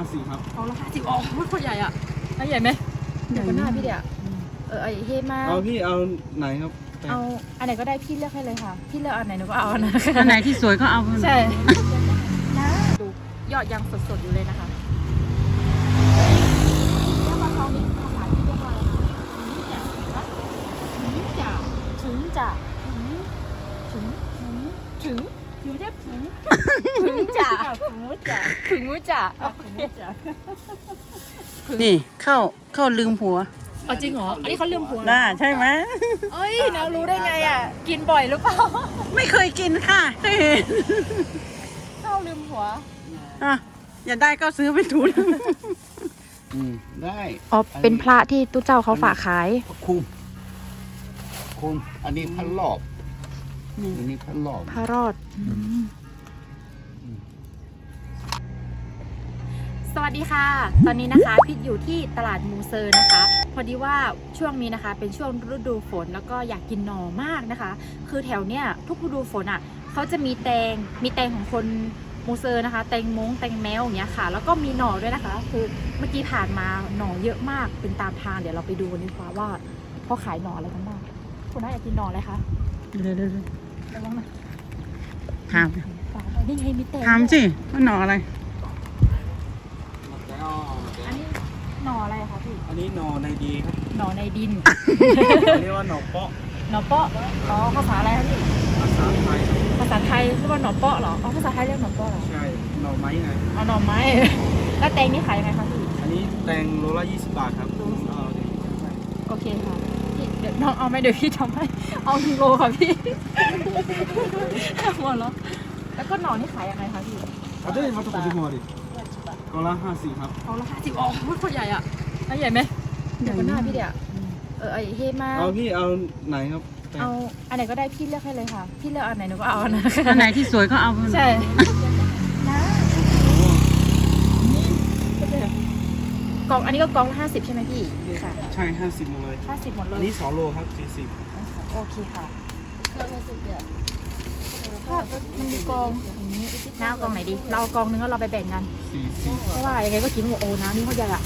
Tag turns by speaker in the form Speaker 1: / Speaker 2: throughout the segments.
Speaker 1: 50ครับ
Speaker 2: กองละ50อ๋อตัวใหญ่อ่ะใหญ่ไหมเดี๋ยวก็หน้าพี่เดี๋ยวไอเฮมา
Speaker 1: เอาพี่เอาไหนครับ
Speaker 2: เอาอันไหนก็ได้พี่เลือกให้เลยค่ะพี่เลือกอันไหนหนูก็เอาอันนั้น
Speaker 3: อันไหนที่สวยก็เอา
Speaker 2: ใช่นะดูยอดยังสดๆอยู่เลยนะคะเรียกว่าเขานี่ภาษาที่เรียกว่าอะไรถึงจะอยู่ได้ถึงจะ
Speaker 3: นี่เข้าลืมผัว
Speaker 2: เอาจริงเหรออันนี้เขาลืมผัว
Speaker 3: น่าใช่ไหม
Speaker 2: เอ้ยเรารู้ได้ไงอ่ะกินบ่อยหรือเปล่า
Speaker 3: ไม่เคยกินค่ะเคยเห็น
Speaker 2: เข้าลืมผัว
Speaker 3: อย่าได้ก็ซื้อไปทุน
Speaker 1: ได้
Speaker 2: อ๋อเป็นพระที่ตู้เจ้าเขาฝากขาย
Speaker 1: คุมอันนี้พันรอบอันนี้พันรอบ
Speaker 2: พระรอดสวัสดีค่ะตอนนี้นะคะพิษอยู่ที่ตลาดมูเซอร์นะคะพอดีว่าช่วงนี้นะคะเป็นช่วงฤดูฝนแล้วก็อยากกินหน่อมากนะคะคือแถวเนี้ยทุกฤดูฝนอ่ะเขาจะมีแตงของคนมูเซอร์นะคะแตงมงแตงแมวอย่างเงี้ยค่ะแล้วก็มีหน่อด้วยนะคะคือเมื่อกี้ผ่านมาหน่อเยอะมากเป็นตามทางเดี๋ยวเราไปดูกันดีกว่าว่าเขาขายหน่ออะไรกันบ้างคุณน่าอยากกินหน่ออะไรคะ
Speaker 3: เดี๋ยว
Speaker 2: ระวังนะ
Speaker 3: ถาม
Speaker 2: นี่ไงมีแตง
Speaker 3: ถามสิว่าหน่ออะไร
Speaker 2: อันนี้หน่ออะไรคะพี่
Speaker 1: อันนี้หน่อในดีครับ
Speaker 2: หน่อในดิน
Speaker 1: เรียกว่าหน่อเปาะ
Speaker 2: อ๋อภาษาอะไรคะพี่
Speaker 1: ภาษาไทย
Speaker 2: เรียกว่าหน่อเปาะเหรออ๋อภาษาไทยเรียกหน่อเปาะเหรอ
Speaker 1: ใช่หน่อไม้ไง
Speaker 2: เอาหน่อไม้แล้วแตงนี่ขายยังไงคะพี่
Speaker 1: อันนี้แตงโลละ20 บาทครับ
Speaker 2: โอเคค่ะเดี๋ยวน้องเอาไหมเดี๋ยวพี่ทำให้เอา1 โลค่ะพี่หมดแล้วแล้วก็หน่อนี่ขายยังไงคะพี่
Speaker 1: เอาได้มาตัวกี่หัวดิกองละ50ครับ
Speaker 2: กองละ50อ๋อตัวใหญ่อ่ะใหญ่ไหมเดี๋ยวก็หน้าพี่เดี๋ยวไอเฮมา
Speaker 1: เอาพี่เอาไหนครับ
Speaker 2: เอาอันไหนก็ได้พี่เลือกให้เลยค่ะพี่เลือกอันไหนหนูก็เอาอันนั้น
Speaker 3: อันไหนที่สวยก็เอา
Speaker 2: ใช่นะกองอันนี้ก็กองละ50ใช่ไหมพี่ค่ะ
Speaker 1: ใช่50หมดเลย
Speaker 2: 50หมดเลย
Speaker 1: อันนี้2 โลครับ40
Speaker 2: โอเคค่ะก็มันมีกองอย่างนี้น้ากองไหนดีเรากองนึงก็เราไปแบ่งกันเพราะว่ายังไงก็กินหมดโอ้น้ำนี่เขาใหญ่อะ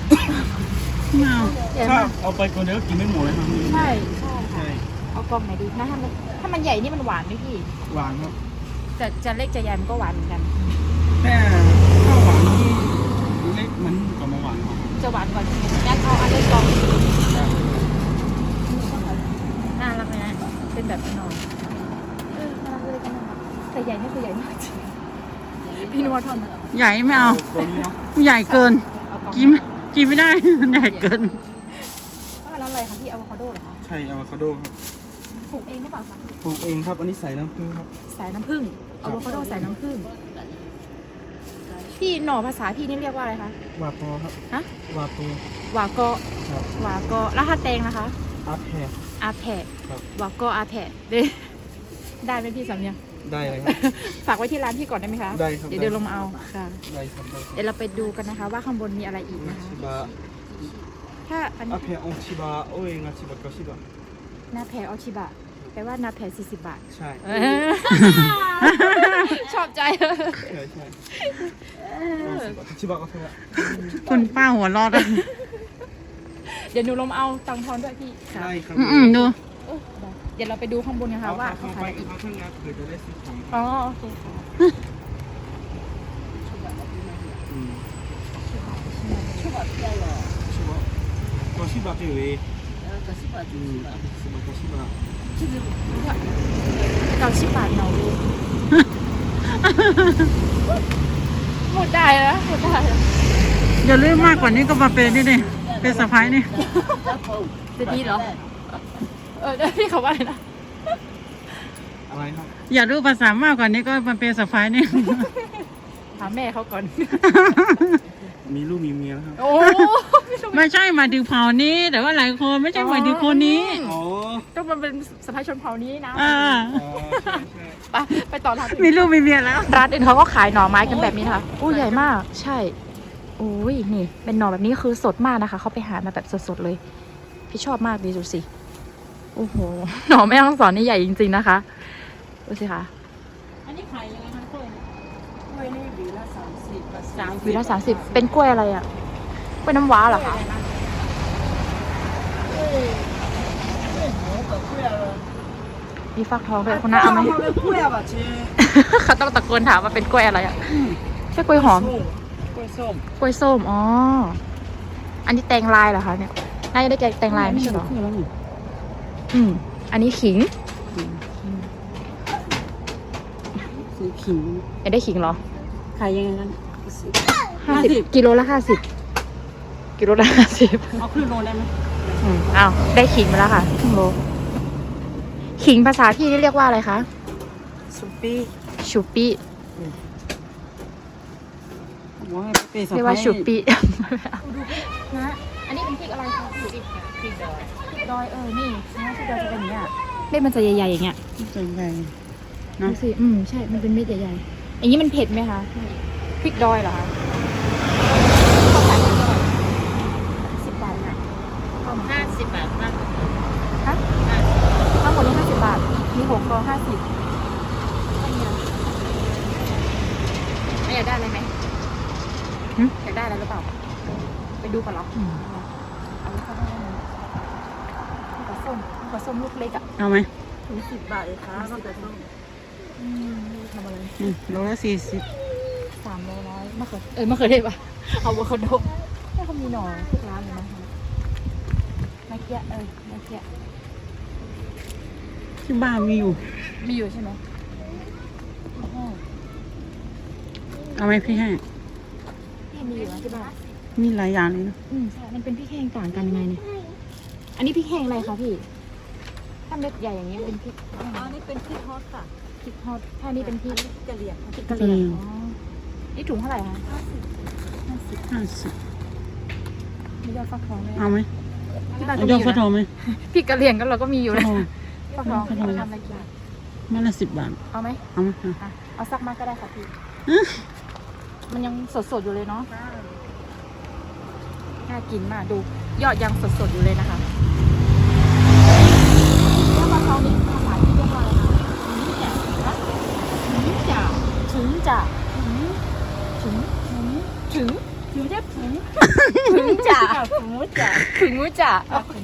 Speaker 1: ถ้าเอาไปคนเดียวก็กินไม่หมดเลยครับ
Speaker 2: ใช่เอากองไหนดีนะถ้ามันใหญ่นี่มันหวานไหมพี่
Speaker 1: หวานครับ
Speaker 2: จะเล็กจะใหญ่มันก็หวานเหมือนกัน
Speaker 1: แต่ถ้าหวานนี่เล็กมันกว่าหวาน
Speaker 2: จะหวานกว่างั้นเอาอันเล็กกองน่ารักไหมนะเป็นแบบนอนน่ารักเลยกันนะแต่ใหญ่นี่คือใหญ่มากจริงพี่นัวทอน
Speaker 3: ใหญ่ไม่เอาใหญ่เกินกินไม่ได้ใหญ่เกิน
Speaker 2: แล้วอะไรคะพี่อะโวคาโดเหรอคะ
Speaker 1: ใช่อะโวคาโดครับ
Speaker 2: ปลูกเองหรือเปล่าคะ
Speaker 1: ปลูกเองครับอันนี้ใส่น้ำผึ้งครับ
Speaker 2: ใส่น้ำผึ้งอะโวคาโดใส่น้ำผึ้งพี่หน่อภาษาพี่นี่เรียกว่าอะไรคะ
Speaker 1: วาโปครับ
Speaker 2: ฮะ
Speaker 1: วาโป
Speaker 2: วาโกแล้วถ้าแตงนะคะ
Speaker 1: อาแพะ
Speaker 2: วาโกอาแพะได้ไหมพี่สำเนียง
Speaker 1: ได้เลยครับ
Speaker 2: ฝากไว้ที่ร้านพี่ก่อนได้ไหมคะ
Speaker 1: ได้ครับ
Speaker 2: เดี๋ยวเดินลงมาเอาค่ะ
Speaker 1: ได้ครับ
Speaker 2: เดี๋ยวเราไปดูกันนะคะว่าข้างบนมีอะไรอีกนะคะถ้าอันนี้
Speaker 1: อาแพะองชิบะโอ้ยงาชิบะก็ชิบะ
Speaker 2: นาแพะออชิบะแปลว่านาแพะ40 บาท
Speaker 1: ใช่
Speaker 2: ชอบใจ
Speaker 1: ใช่ชิบะก็เท่าไหร่
Speaker 3: คุณป้าหัวรอด
Speaker 2: เดี๋ยวหนูลงเอาตังทอนด้วยพี่
Speaker 1: ใช่ครับ
Speaker 3: ดู
Speaker 2: เดี๋ยวเราไปดูข้างบนกันค่ะว่าเขาขายอะไรอีกอ๋อโอเคค่ะ
Speaker 1: ก็ชิบะที่เลย
Speaker 2: 90 บาทเนาะหมดได้แล้ว
Speaker 3: อย่าลืมมากกว่านี้ก็มาเป็นนี่เป็นสะพ้ายนี่
Speaker 2: จะดีเหรอพี่เขาว่าอะไรนะ
Speaker 1: อะไรครับ
Speaker 3: อย่ารู้ภาษามากกว่านี้ก็มาเป็นสะพ้ายนี่
Speaker 2: ถามแม่เขาก่อน
Speaker 1: มีลูกมีเมียแล้วครับ
Speaker 2: โอ้
Speaker 3: ไม่ใช่หมายถึงเผ่านี้แต่ว่าหลายคนไม่ใช่หมายถึงคนนี้
Speaker 2: ก็มันเป็นสะพ้ายชนเผ่านี้นะไปต่อร้าน
Speaker 3: มีลูกมีเมียแล้ว
Speaker 2: ร้านอื่นเขาก็ขายหน่อไม้กันแบบนี้นะคะอู้ใหญ่มากใช่อุ้ยนี่เป็นหน่อแบบนี้คือสดมากนะคะเขาไปหามาแบบสดๆเลยพี่ชอบมากดีดูสิโอ้โหหน่อแม่ฮ่องสอนนี่ใหญ่จริงๆนะคะดูสิคะอันนี้ขายยังไงคะกล้วยนี่หวีละ
Speaker 3: 30
Speaker 2: หวีละ30เป็นกล้วยอะไรอ่ะกล้วยน้ำว้าเหรอคะมีฟักทองด้วยคุณน้าเอาไหม
Speaker 3: กล้วยอ่ะเจ๊
Speaker 2: เขาต้องตะโกนถามว่าเป็นกล้วยอะไรอ่ะใช่กล้วยหอม
Speaker 3: กล้วยส้ม
Speaker 2: กล้วยส้มอ๋ออันนี้แตงลายเหรอคะเนี่ยน่าจะได้แตงลายไม่ใช่เหรออันนี้ขิง
Speaker 3: ซื้อขิง
Speaker 2: อยากได้ขิงเหรอ
Speaker 3: ขายยังไงนั้น
Speaker 2: 50กิโลละ50กิโลละ50
Speaker 3: เอาครึ่งโลได้ไหม
Speaker 2: อ้าวได้ขิงมาแล้วค่ะครึ่งโลขิงภาษาพี่นี่เรียกว่าอะไรคะ
Speaker 3: สุปี้
Speaker 2: ชูปี้
Speaker 3: บอกให้ไปสะ
Speaker 2: เรียก
Speaker 3: พา
Speaker 2: ว่าย ชูปี้นะอันนี้เป็นพริกอะไรคะพริกดอยพริกดอยนี่นะพริกดอยจะเป็นอย่างเงี้ยเม็ดมันจะใหญ่ๆอย่างเงี้ย
Speaker 3: ส่วนใหญ่
Speaker 2: ดูสิใช่มันเป็นเม็ดใหญ่ๆอย่างนี้มันเผ็ดไหมคะพริกดอยเหรอคะเขาขายเท่าไหร่10 บาทนะ
Speaker 3: 50 บาทมาก
Speaker 2: ฮะทั้งหมดนี้50 บาทมี6 กล่อง50ไม่อยากได้อะไรไหมอยากได้อะไรหรือเปล่าไปดูก่อนเหรอเอาลูกค้าได้ไหมปลาส้มลูกเล็กอ่ะ
Speaker 3: เอาไหม
Speaker 2: ถึง10 บาทเลยค่ะก็แต่ส้มทำอะไร
Speaker 3: โลละ40
Speaker 2: 300มะเขือเทศป่ะเอาอะโวคาโดถ้าเขามีหน่อทุกร้านเลยนะคะมะเขือมะเขือ
Speaker 3: ที่บ้านมีอยู่
Speaker 2: มีอยู่ใช่ไหม
Speaker 3: เอาไหมพี่แห้ง
Speaker 2: พี่มีอยู่นะที่บ้าน
Speaker 3: มีหลายอย่างเลยนะ
Speaker 2: ใช่มันเป็นพริกแห้งต่างกันยังไงเนี่ยอันนี้พริกแห้งอะไรคะพี่ถ้าเม็ดใหญ่อย่างเงี้ยเป็นพริกแห้ง
Speaker 4: อันนี้เป็นพริกฮอตค่ะ
Speaker 2: พริกฮอตถ้านี่เป็นพริก
Speaker 4: กะเหรี่ยงค่ะ
Speaker 2: พริกกะเหรี่ยงอ๋อนี่ถุงเท่าไหร่คะ
Speaker 3: 50
Speaker 2: มียอดฟักทองไหม
Speaker 3: เอาไหม
Speaker 2: ที่บ้านก็
Speaker 3: เอา
Speaker 2: มี
Speaker 3: ย
Speaker 2: อ
Speaker 3: อดฟักท
Speaker 2: ยู่
Speaker 3: องไหม
Speaker 2: นะพริกกะเหรี่ยงก็เราก็มีอยู่นะ
Speaker 3: ทอง
Speaker 2: ฟักทอง
Speaker 3: ฟักทอง
Speaker 2: ทำอะไรกิน
Speaker 3: มันละ10 บาท
Speaker 2: เอาไหม
Speaker 3: เอาไหม
Speaker 2: อ่ะเอาสักมาก็ได้ค่ะพี่มันยังสดๆอยู่เลยเนาะน่ากินมากดูยอดยังสดๆอยู่เลยนะคะแล้วฟักทองนี่ภาษาที่เรียกว่าอะไรคะถึงจะถึงจะถึงจะถึงจะถึงมือจ่าถึงมือจ่า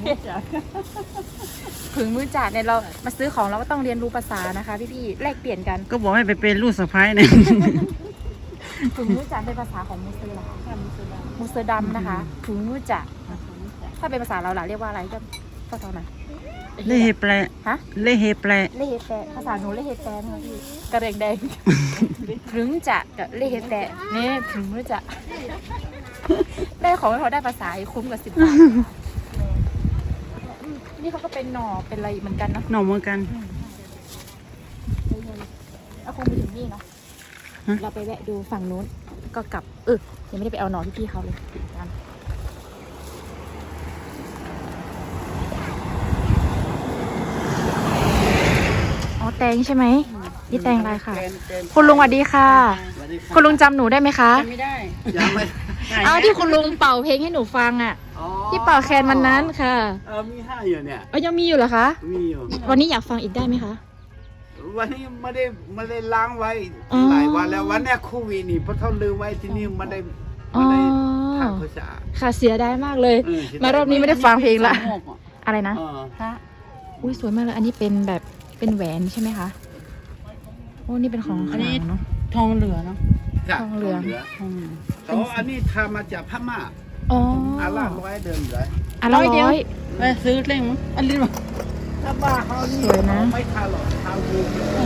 Speaker 2: เนี่ยเรามาซื้อของเราก็ต้องเรียนรู้ภาษานะคะพี่ๆแลกเปลี่ยนกัน
Speaker 3: ก็บอกให้ไปเป็นลูกสะใภ้เนี่ย
Speaker 2: ถึงมือจ่าเป็นภาษาของมูเซอร์เหรอคะมูเซอร์ดำนะคะถึงมือจ่าถ้าเป็นภาษาเราล่ะเรียกว่าอะไรก็ตอนไหน
Speaker 3: เล่เฮแปล
Speaker 2: ฮะ
Speaker 3: เล่เฮแปล
Speaker 2: เลเฮแปะภาษาหนูเลเฮแปะนะคะพี่กระเรียงแดงถึงจะกับเลเฮแปะนี่ถึงมือจ่าได้ของให้เขาได้ภาษาอีกคุ้มกับ10 บาทนี่เขาก็เป็นหน่อเป็นอะไรเหมือนกันเนาะ
Speaker 3: หน่อเหมือนกัน
Speaker 2: เอาคงไปถึงนี่เนาะ
Speaker 3: ฮะ
Speaker 2: เราไปแวะดูฝั่งนู้นก็กลับยังไม่ได้ไปเอาหน่อที่พี่เขาเลยกันอ๋อแตงใช่ไหมนี่แตงอะไรค่ะ คุณลุงสวัสดีค่ะ
Speaker 1: สวัสดีรับ
Speaker 2: คุณลุงจำหนูได้ไหมคะ
Speaker 3: ไม่ได้
Speaker 1: ยังไม่
Speaker 2: อ้าวที่คุณลุงเป่าเพลงให้หนูฟังอ่ะ
Speaker 1: อ๋อ
Speaker 2: ที่เป่าแคนวันนั้นค่ะ
Speaker 1: มี5อยู่เนี่ย
Speaker 2: ยังมีอยู่เหรอคะ
Speaker 1: มีอยู่
Speaker 2: วันนี้อยากฟังอีกได้ไหมคะ
Speaker 1: วันนี้ไม่ได้ล้างไว้
Speaker 2: อ๋อ
Speaker 1: หลายวันแล้ววันเนี้ยโควิดนี่เพราะเขาลืมไว้ที่นี่ไม่ได้
Speaker 2: อ๋อ
Speaker 1: ทำภาษา
Speaker 2: ค่ะเสียดายมากเลย
Speaker 1: เออเสียดาย
Speaker 2: มารอบนี้ไม่ได้ฟังเพลงละ
Speaker 3: สามหกอ่ะ
Speaker 2: อะไรนะ
Speaker 1: เออ
Speaker 2: พระอุ้ยสวยมากเลย อันนี้เป็นแบบเป็นแหวนใช่ไหมคะ โอ้นี่เป็นของขลังเนาะ
Speaker 3: ทองเหลือเนาะ
Speaker 1: จ้ะ
Speaker 2: ทองเหลือง
Speaker 3: ทองเหลือ
Speaker 1: อ๋ออันนี้ทำมาจากพม่า
Speaker 2: อ๋อ
Speaker 1: อาล่าร้อยเดิมเลย
Speaker 2: อันละ
Speaker 3: ร้อยเดียว
Speaker 2: ร้อย
Speaker 3: ไปซื้อเล่งมั้งอันนี้มั้ง
Speaker 1: ถ้าบ้าเขานี่
Speaker 2: สวยนะ
Speaker 1: ไม่ทาหรอกทาวู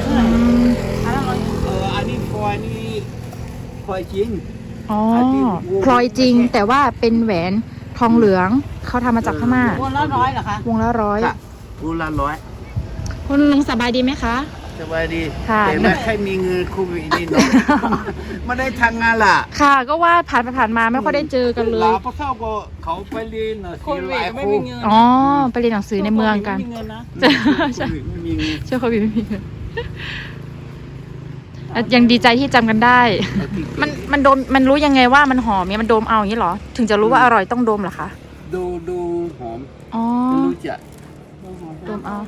Speaker 1: อันนี้พลอยนี่พลอยจริง
Speaker 2: อ๋อ
Speaker 1: อันนี้
Speaker 2: พลอยจริง แต่ว่าเป็นแหวนทองเหลือง เขาทำมาจากพม่า
Speaker 3: วนละ100เหรอคะ
Speaker 2: วงละร้อย
Speaker 1: ค่ะกูละร้อย
Speaker 2: คุณลุงสบายดีไหมคะ
Speaker 1: สบายดี
Speaker 2: ค่ะ
Speaker 1: แต่ไม่ค่อยมีเงินโควิดนี่เนาะ ไม่ได้ทำงานล่ะ
Speaker 2: ค่ะ ก็ว่าผ่านไปผ่านมาไม่ค่อยได้เจอกันเลย
Speaker 1: ลาพวกเขาก็เขาไปเรียนหน่อย
Speaker 3: โค
Speaker 1: สิ
Speaker 3: วิ
Speaker 1: หลาย
Speaker 3: ดไม่
Speaker 1: ค
Speaker 3: มี
Speaker 1: น
Speaker 3: เงิน
Speaker 2: อ๋อ ไปเรียนหนังสือในเมืองกัน
Speaker 3: ไม่มีเงินนะ
Speaker 2: ใช่
Speaker 1: โควิดไม่มีเงิน
Speaker 2: เชื่อโควิดไม่มีเงินยังดีใจที่จำกันได้ มันโดมมันรู้ยังไงว่ามันหอมเนี่ยมันโดมเอาอย่างนี้เหรอ ถึงจะรู้ว่าอร่อยต้องโดมเหรอคะ
Speaker 1: ดูหอม
Speaker 2: อ๋อ
Speaker 1: รู้จัก
Speaker 2: โดมเอา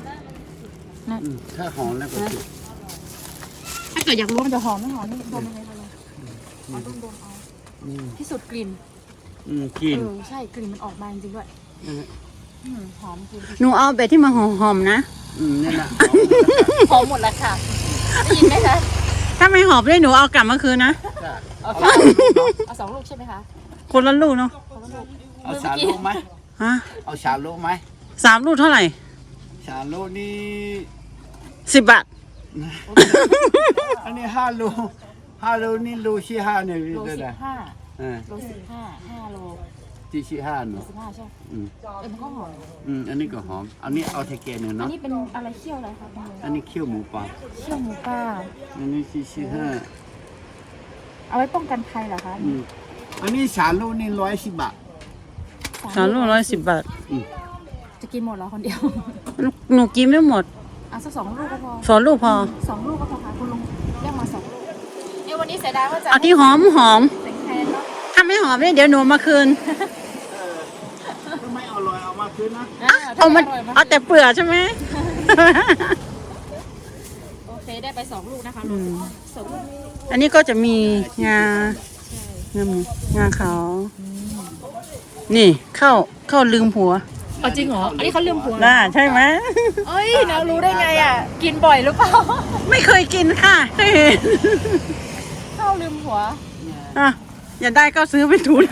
Speaker 1: ถ้าหอมแล้วก็ถูก
Speaker 2: ถ้าเกิดอยากรู้ว่ามันจะหอมไม่หอมนี่โดมยังไงคะลุงเอาดมเอา
Speaker 1: อืม
Speaker 2: พิสูจน์กลิ่น
Speaker 1: กิน
Speaker 2: ใช่กลิ่นมันออกมาจริงๆด้วยหอมจริง
Speaker 3: หนูเอาแบบที่มันหอมๆนะ
Speaker 1: นี่นะ
Speaker 2: หอมหมดแล้วค่ะได้ยินไหมคะ
Speaker 3: ถ้าไม่หอมเลยหนูเอากลับมาคืนนะ
Speaker 2: เอา2 ลูกใช่ไหมคะ
Speaker 3: คนละลูกเนาะ
Speaker 2: คนละลูก
Speaker 1: เอาชาลูกไหม
Speaker 3: ฮะ
Speaker 1: เอาชาลูกไหม
Speaker 3: 3 ลูกเท่าไหร่
Speaker 1: ชาลูกนี่
Speaker 3: 10 บาท
Speaker 1: อันนี้5 ลูกนี่ลูกที่5เนี่ย
Speaker 2: โล
Speaker 1: ได้
Speaker 2: 15โล15 5 โล
Speaker 1: ที่5เนาะ
Speaker 2: 15ใช่
Speaker 1: อืม
Speaker 2: มันก็หอม
Speaker 1: อันนี้ก็หอมอันนี้เอาเทเกนเนี่ย
Speaker 2: อัน
Speaker 1: เนาะ
Speaker 2: นี้เป็นอะไรเคี่ยวอะไรคะ
Speaker 1: อันนี้เคี่ยวหมูปลา
Speaker 2: เคี่ยวหมูป่า
Speaker 1: อันนี้ที่
Speaker 2: เอาไว้ป้องกันภัยเหรอคะ
Speaker 1: อันนี้ชาลูกนี่110 บาท
Speaker 3: 3 ลูก110 บาท
Speaker 2: จะกินหมดเหรอคนเดียว
Speaker 3: หนูกินไม่หมด
Speaker 2: เอาสัก2 ลูกก็พอ
Speaker 3: 2 ลูกพอ
Speaker 2: 2 ลูกก็พอค่ะคุณลุงเรียกมา2 ลูกวันนี้เสียดายว่าจะ
Speaker 3: เอาที่หอม
Speaker 2: เป็นแทนเนาะ
Speaker 3: ถ้าไม่หอมเนี่ยเดี๋ยวหนูมาคืน
Speaker 1: ถ้าไม่อร่อยเอามาคืนนะ
Speaker 3: เอามาเอาแต่เปลือกใช่ไหม
Speaker 2: โอเคได้ไป2 ลูกนะคะ2 ลูก
Speaker 3: อันนี้ก็จะมีงา งาขาว นี่เข้าลืมผัว
Speaker 2: อ๋อจริงเหรออันนี้เขาลืมผัว
Speaker 3: น่าใช่ไหม
Speaker 2: เอ้ยเรารู้ได้ไงอ่ะกินบ่อยหรือเปล่า
Speaker 3: ไม่เคยกินค่ะเคยเห็น
Speaker 2: ข้าวลืมผัว
Speaker 3: อ่ะอย่าได้ก็ซื้อไปทุน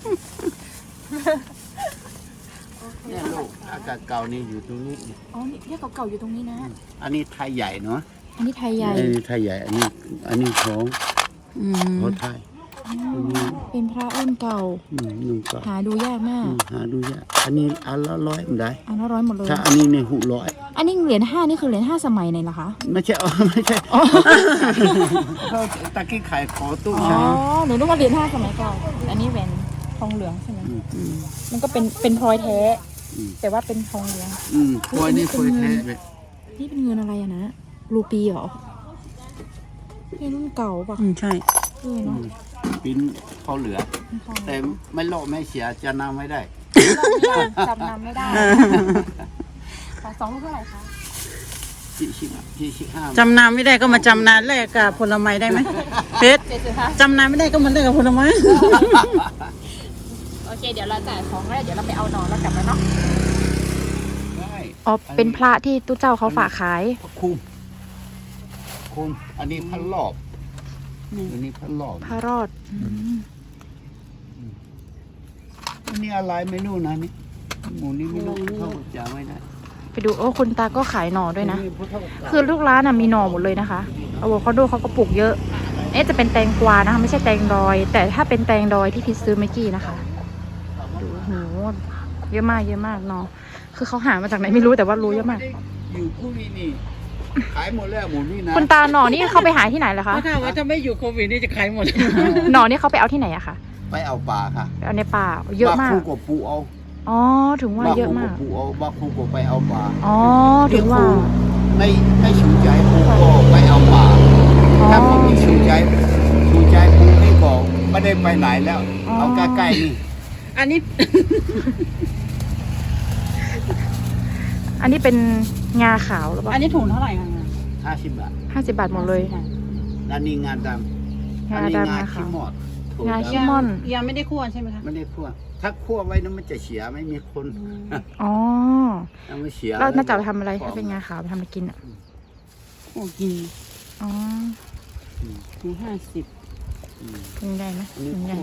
Speaker 1: เนี่ยลูกอากาศเก่านี่อยู่ตรงนี้
Speaker 2: อ๋อนี่เรียกเก่าๆอยู่ตรงนี้นะ
Speaker 1: อันนี้ไทยใหญ่เนาะ
Speaker 2: อันนี้ไทยใหญ่
Speaker 1: อันนี้ไทยใหญ่ อันนี้ของไทย
Speaker 2: เป็นพระรุ่นเก่า
Speaker 1: นุ่งก็
Speaker 2: หาดูยากมาก
Speaker 1: หาดูยากอันนี้อันละ100มันได้
Speaker 2: อันละ100หมดเลย
Speaker 1: ถ้าอันนี้เนี่ย600
Speaker 2: อันนี้เหรียญ5นี่คือเหรียญ5สมัยไหนล่ะคะ
Speaker 1: ไม่ใช่ไม่ใช่เขาตะกี้ขายขอตู้
Speaker 2: อ๋อ
Speaker 1: ใช่
Speaker 2: หนูนึกว่าเหรียญ5สมัยเก่าอันนี้เป็นทองเหลืองใช่ไหมมันก็เป็นพลอยแท้ แต่ว่าเป็นทองเหลือง
Speaker 1: พวกนี้เคยแท้เลย
Speaker 2: นี่เป็นเงินอะไรอะนะรูปีเหรอเป็นรุ่นเก่าป่ะ
Speaker 3: ใช่
Speaker 2: เนาะ
Speaker 1: ปิ้นเขาเหลือ แต่ไม่โลภไม่เสียจะนำไม่ได้
Speaker 2: จำนำไม่ได้2 ลูกเท่าไหร่คะ
Speaker 1: ที่5
Speaker 3: จำนำไม่ได้ก็มาจำนานแลกกับผลไม้ได้ไหมเพชร
Speaker 2: 75
Speaker 3: จำนำไม่ได้ก็มาแลกกับผลไม้
Speaker 2: โอเคเดี๋ยวเราจ่ายของแล้วเดี๋ยวเราไปเอาหนอนแล้วกลับมาเนาะ
Speaker 1: ได้
Speaker 2: อ๋อเป็นพระที่ตู้เจ้าเขาฝากขาย
Speaker 1: คุมอันนี้พันรอบอันนี้พันรอบ
Speaker 2: พระรอด
Speaker 1: อันนี้อะไรไม่รู้นะนี่หมูนี่ไม่รู้เขาจะไม่ได้
Speaker 2: ไปดูโอ้คุณตาก็ขายหน่อด้วยนะ
Speaker 1: อัพุทธ
Speaker 2: คือทุกร้านมีหน่อหมดเลยนะคะอะโวคาโดเขาก็ปลูกเยอะจะเป็นแตงกวานะคะไม่ใช่แตงดอย แต่ถ้าเป็นแตงดอยที่พิซซื้อเมื่อกี้นะคะดูโหเยอะมากหน่อคือเขาหามาจากไหนไม่รู้แต่ว่ารู้เยอะมาก
Speaker 1: อยู่คู่นี้นี่ขายหมดแล้วหมูนี่นะ
Speaker 2: คุณตาหน่อนี่เขาไปหาที่ไหนเหรอคะ
Speaker 3: ถ้าว่าถ้าไม่อยู่โควิดนี่จะขายหมด
Speaker 2: หน่อนี่เขาไปเอาที่ไหนอะคะ
Speaker 1: ไปเอาปลาค่ะ
Speaker 2: ไปเอาในป่าเยอะมาก
Speaker 1: บคู่กับปูเอา
Speaker 2: อ๋อถึงว่าเยอะมาก
Speaker 1: บคู่บปูเอาบาคู่กับไปเอาปลา
Speaker 2: อ๋อถึงว่า
Speaker 1: ไม่ชูใจปูก็ไปเอาปลาถ้าผมมีชูใจปูนี่ก็ไม่ได้ไปไหนแล้ว เอาใกล้ๆนี่
Speaker 3: อันนี้
Speaker 2: อันนี้เป็นงาขาวหรือเปล่า
Speaker 3: อันนี้ถุงเท่าไหร่คะ
Speaker 1: 50 บาท
Speaker 2: 50 บาทหมดเลย
Speaker 1: อันนี้งาดำ
Speaker 2: งา
Speaker 1: อันนี้
Speaker 2: ดำ
Speaker 1: งา
Speaker 2: นะคะ
Speaker 1: ขี้หมอด
Speaker 2: งาขี้ม่อน
Speaker 3: ยังไม่ได้คั่วใช่ไหมคะ
Speaker 1: ไม่ได้คั่วถ้าคั่วไว้นั้นมันจะเสียไม่มีคน
Speaker 2: อ๋อ
Speaker 1: ยังไม่เสีย
Speaker 2: แล้วน่าจะเอาไปทำอะไรถ้าเป็นงาขาวไปทำอะไรกินอ่ะ
Speaker 3: โอ้กิน
Speaker 2: อ๋อ
Speaker 3: ถุง50
Speaker 2: กินได้ไหม
Speaker 1: อันนี้
Speaker 2: กินได้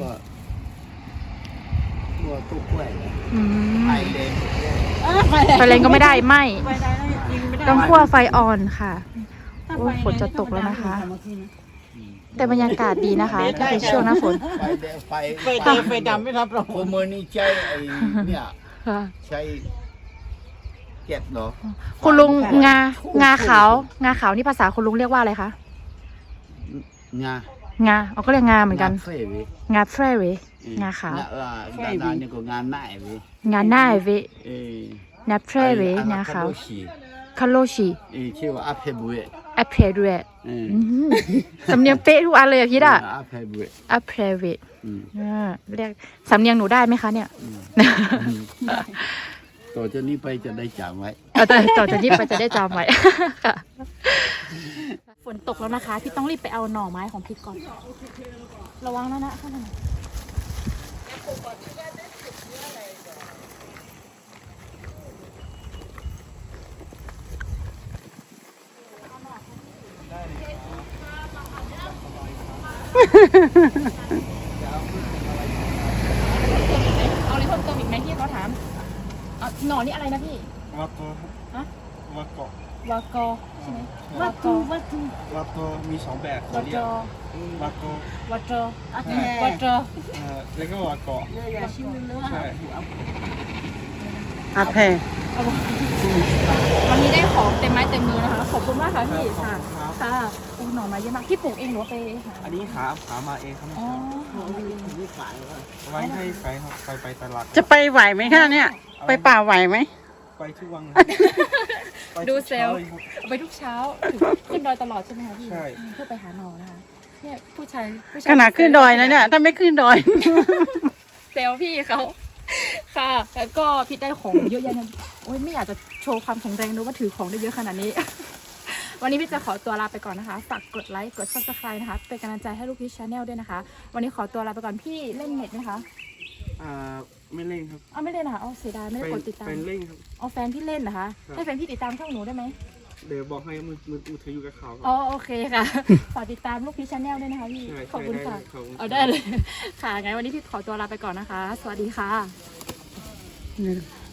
Speaker 1: คั่วตู้กล้วย
Speaker 2: อืม
Speaker 1: ไอเลน
Speaker 2: ไฟแรงก็ไม่ได้ไหม
Speaker 3: ไฟได้แล้วกินไม่ได้
Speaker 2: ต้องคั่วไฟอ่อนค่ะ โอ้ฝนจะตกแล้วนะคะ แต่บรรยากาศดีนะคะถ้าเป็นช่วงหน้าฝน
Speaker 1: ไฟแดงไฟ
Speaker 3: ไฟดำไม่รับรอง
Speaker 1: โคเมอร์นี่ใช้ไอ้เนี่ย
Speaker 2: ค่ะ
Speaker 1: ใช้เก็บเหรอ
Speaker 2: คุณลุงงาขาวนี่ภาษาคุณลุงเรียกว่าอะไรคะ
Speaker 1: งาง
Speaker 2: าเขาก็เรียกงาเหมือนกัน
Speaker 1: เฟยเว้ย
Speaker 2: งาแฟร์เวงาขาว
Speaker 1: ดานี่ก็งานหน้าเว้ย
Speaker 2: งาหน้าเว
Speaker 1: เออ
Speaker 2: นาแฟร์เว งาขาว คาโลชิ
Speaker 1: ชื่อว่าอาเพบุเอ
Speaker 2: แอปเพรด้วยสำเนียงเป๊ะทุกอันเลยอะพี่ด่ะ
Speaker 1: อาเพบุเอ
Speaker 2: แอปเพรเวเรียกสำเนียงหนูได้ไหมคะเนี่ย
Speaker 1: ต่อจากนี้ไปจะได้จำไว้
Speaker 2: ต่อจากนี้ไปจะได้จำไว้ค่ะฝนตกแล้วนะคะ พี่ต้องรีบไปเอาหน่อไม้ของพี่ก่อนระวังนะข้างในเอาอะไรเพิ่มเติมอีกไหมที่เขาถามเอาหน่อนี่อะไรนะพี่
Speaker 4: วาโตครับ
Speaker 2: ฮะ
Speaker 4: วาโกะ
Speaker 2: วากอใช่ไหม
Speaker 4: วาโต
Speaker 2: วาโต
Speaker 4: มีสองแบบ
Speaker 2: วาโต
Speaker 4: วาโกะ
Speaker 2: วาโตวาโต
Speaker 4: แล้วก็วาโกะใช่
Speaker 3: อาแพ
Speaker 2: วันนี้ได้ของเต็มไม้เต็มมือนะคะขอบคุณมากค่ะพี่ค่ะค่ะโอ้หน่อไม้เยอะมากพี่ปลูกเองหรือว่าไปหา
Speaker 4: อันนี้หามาเองครับ
Speaker 2: อ๋อ
Speaker 4: ไว้ให้ไปครับไปตลาด
Speaker 3: จะไปไหวไหมคะเนี่ย ไปป่าไหวไหม
Speaker 4: ไปทุกวัน
Speaker 2: ดูเซลล์ไปทุกเช้าถึงขึ้นดอยตลอดใช่ไหมคะพี่เพื่อไปหาหน่อนะคะเนี่ยผู้ชาย
Speaker 3: ขนาดขึ้นดอยนะเนี่ย ถ้าไม่ขึ้นดอย
Speaker 2: เซลล์พี่เขาค่ะแล้วก็พี่ได้ของเยอะแยะเลยโอ้ยไม่อยากจะโชว์ความแข็งแรงนะว่าถือของได้เยอะขนาดนี้ วันนี้พี่จะขอตัวลาไปก่อนนะคะฝากกดไลค์กด subscribe นะคะเป็นกำลังใจให้ลูกพี่ชาแนลด้วยนะคะวันนี้ขอตัวลาไปก่อนพี่เล่นเน็ตไหมคะ
Speaker 4: ไม่เล่นครับ
Speaker 2: อ้าวไม่เล่นเหรอคะอ๋อเสียดายไม่ได้กดติดตาม
Speaker 4: เป็นเล่นครับ
Speaker 2: อ๋อแฟนพี่เล่นเหรอคะ
Speaker 4: ครับ
Speaker 2: ให้แฟนพี่ติดตามช่องหนูได้ไหม
Speaker 4: เดี๋ยวบอกให้มือถืออยู่กับเขาค
Speaker 2: อ๋
Speaker 4: รั
Speaker 2: อบ โอเคค่ะ ฝากติดตามลูกพี่ชาแนลด้วยนะคะพี่
Speaker 4: ใช่
Speaker 2: ขอบคุณค่ะ
Speaker 4: ได้เลยขอบคุณ
Speaker 2: เอาได้เลยค่ะงั้นวันนี้พี่ขอตัวลาไปก่อนนะคะ สวัสดีค่ะ